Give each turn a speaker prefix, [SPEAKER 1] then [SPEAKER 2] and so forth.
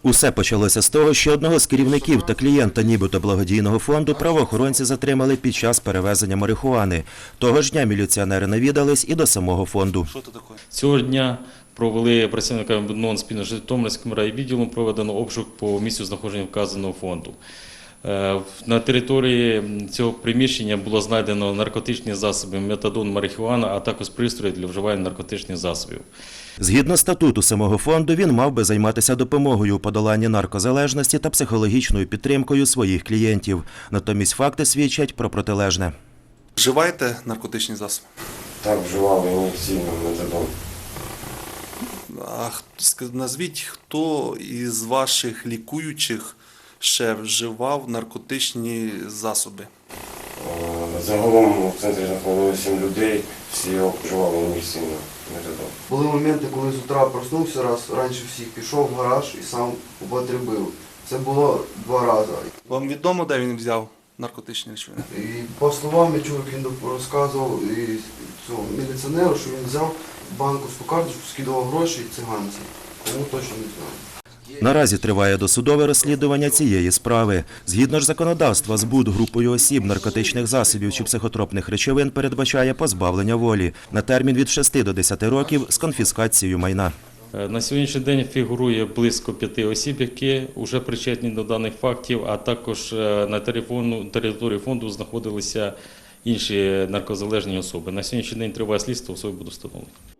[SPEAKER 1] Усе почалося з того, що одного з керівників та клієнта нібито благодійного фонду правоохоронці затримали під час перевезення марихуани. Того ж дня міліціонери навідались і до самого фонду.
[SPEAKER 2] Цього дня провели працівниками НОН спільно з Житомирським райвідділом, проведено обшук по місцю знаходження вказаного фонду. На території цього приміщення було знайдено наркотичні засоби, метадон, марихуана, а також пристрої для вживання наркотичних засобів.
[SPEAKER 1] Згідно статуту самого фонду, він мав би займатися допомогою у подоланні наркозалежності та психологічною підтримкою своїх клієнтів. Натомість факти свідчать про протилежне.
[SPEAKER 3] Вживаєте наркотичні засоби?
[SPEAKER 4] Так, вживав, і не сильно, метадон.
[SPEAKER 3] Назвіть, хто із ваших лікуючих ще вживав наркотичні засоби?
[SPEAKER 4] Загалом в центрі знаходилося 7 людей, всі його вживали не сильно, метадон.
[SPEAKER 5] Були моменти, коли з утра проснувся раз, раніше всіх пішов в гараж і сам употребив. Це було 2 рази.
[SPEAKER 3] Вам відомо, де він взяв наркотичні речовини?
[SPEAKER 5] І по словам я чув, як він розказував і цьому міліціонеру, що він взяв банківську карточку, скидував гроші циганці. Тому точно не знаю.
[SPEAKER 1] Наразі триває досудове розслідування цієї справи. Згідно ж законодавства, збут групою осіб наркотичних засобів чи психотропних речовин передбачає позбавлення волі на термін від 6 до 10 років з конфіскацією майна.
[SPEAKER 2] На сьогоднішній день фігурує близько 5 осіб, які вже причетні до даних фактів, а також на території фонду знаходилися інші наркозалежні особи. На сьогоднішній день триває слідство, особи будуть встановлені.